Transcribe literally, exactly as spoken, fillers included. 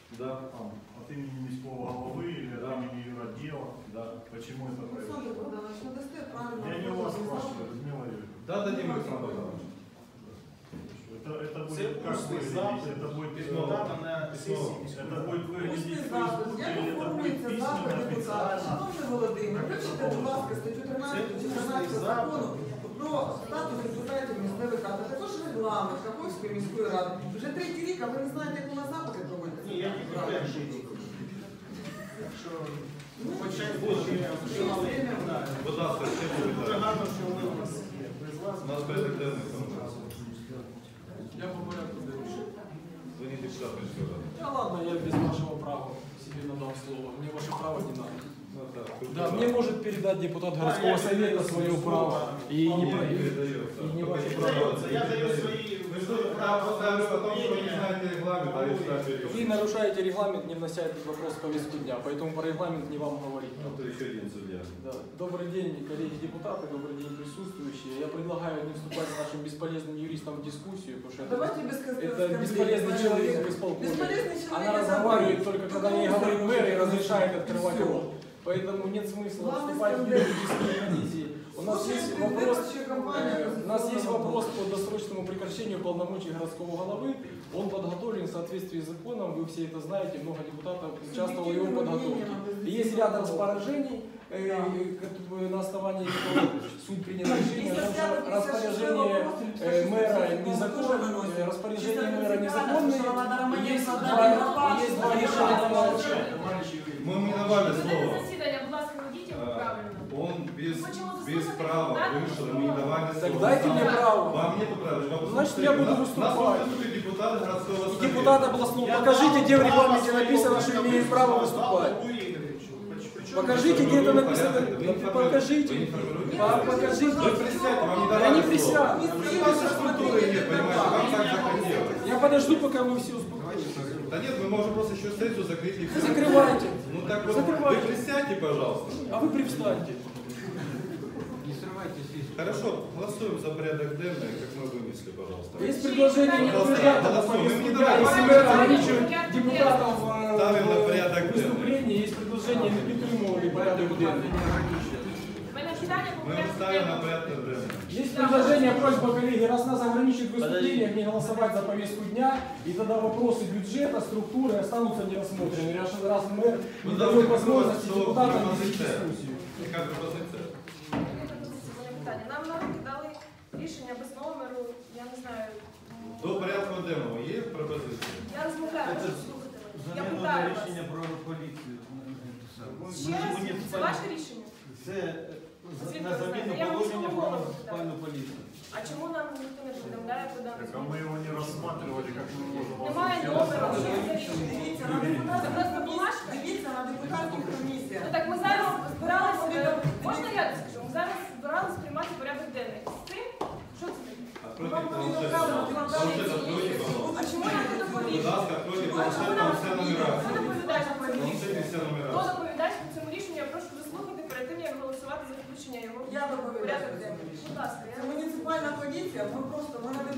Да. Там, от имени міського голови или Да. от имени юротдела. Да. Почему это Александр происходит? Богданович, ну дасте правильно. Я не у вас спрашиваю, Людмила Юрьевна. Да, дадим, Александр Богданович. Это, это Це будет как устний выглядеть? запит, Это будет письмо письмо. дано на сесії. Это будет выглядеть Усний в запит. Фейсбуке Як или это будет оформлюється письменно запит депутата? официально? Шановний Володимир, вивчите, будь ласка, статтю тринадцять чотирнадцять закону про статус депутатів місцевих рад, а також регламент Каховської міської ради. Вже третій рік, а ви не знаєте, як у нас запити проводяться? Ні, я тільки перший рік. Якщо Ну, почати буде. буде, Будь ласка, ще буде. дуже гарно, що ви у нас є. Без вас. У нас порядок денний там. Я по порядку дальше. Вы не депутат Міської ради. Да ладно, я без вашего права себе надал слово. Мне ваше право не надо. Ну, так, Да, мне может передать депутат городского совета свое право. И не, не про- передается. и не Только ваше не право. Передается. Я даю свои Вы что, право ставлю о том, что вы не знаете регламент, а если так Вы нарушаете регламент, не внося этот вопрос в повестку дня, поэтому про регламент не вам говорить. Ну, то еще один судья. Да. Добрый день, коллеги депутаты, добрый день, присутствующие. Я предлагаю не вступать с нашим бесполезным юристом в дискуссию, потому что это, Давайте без это бесполезный человек в исполкоме. Бесполезный человек. Она я разговаривает забыл. только когда ей он говорит мэр и закончил. разрешает открывать Всё. рот. Поэтому нет смысла Главный вступать в скандал. юридические позиции. У нас Слушай, есть ты вопрос, выборчая кампания, э, у нас есть безусловно. вопрос по досрочному прекращению полномочий городского головы. Он подготовлен в соответствии с законом, вы все это знаете, много депутатов участвовало в его подготовке. И есть ряд распоряжений, э, э, на основании которого суд принял решение, Если взять, если распоряжение шестого э, мэра тоже незаконное, выносит. распоряжение Чисто мэра принципиально, что незаконное, Роман и есть Романенко два, отдал и есть два на решения. Мы ему не давали Ведете слово. засідання, будь ласка, ведіть його А, правильно. Он без, Почему вы без слушаете права депутата? вышел, ему не давали Так слово. дайте мне право. Вам нет права. Вы Значит, я буду послушайте. выступать. Нас выступит депутат городского И совета. депутат областного, покажите, где в регламенте написано, что имеет право выступать. Покажите, где это написано. Покажите. А, покажите. Вы присядьте, вам не Я давали не слово. присяду. У вас структуры нет, понимаете, вам так захотелось. Я подожду, пока вы все успокоитесь. Да нет, мы можем просто еще сессию закрыть и все. Закрывайте. Ну так вот, Закрывайте. вы присядьте, пожалуйста. А вы привстаньте. Хорошо, голосуем за порядок денный, как мы вынесли, пожалуйста. Есть предложение не Пожалуйста, утверждать это голосуем. повестку Мы не дня. давайте. Если мы ограничиваем депутатов э, Ставим на в порядок выступлении, есть предложение не підтримувати порядок денний. У мене питання по Мы порядку ставим на денному. порядок денный. Есть предложение, просьба, коллеги, раз нас ограничивают в выступлениях, не голосовать за повестку дня, и тогда вопросы бюджета, структуры останутся нерассмотренными. Раз, раз мэр не дает возможности депутатам вести дискуссию. Яка пропозиція? Мене питання. Нам на руки дали рішення без номеру, я не знаю. До порядку денного є пропозиції? Я розмовляю, можу слухати мене. Я питаю вас. рішення про поліцію. Ще раз, це ваше рішення? Це Звідки на ви заміну знаєте? Я вам положення слово про голову муніципальну поліцію. А чому нам ніхто не повідомляє про дану Так, а мы его не рассматривали, как мы можем вас Немає номера, що це за рішення? Дивіться, на Це депутатських просто бумажка? Дивіться, на депутатських комісіях. Ну так ми зараз збиралися, е, можна я скажу? Ми зараз збиралися приймати порядок денний. З цим? Що це таке? Откройте планшет. повідомляли, Планшет откройте, пожалуйста. А чому я не Будь доповідаю? ласка, откройте А планшет, чому там нам вся Хто нумерація. доповідач по цьому Планшет рішенню? і вся Хто нумерація. доповідач по цьому рішенню? Я прошу заслухати перед тим, як голосувати за включення його Я в доповідач. порядок денний. Будь ласка, Це я... муніципальна поліція, ми просто ми на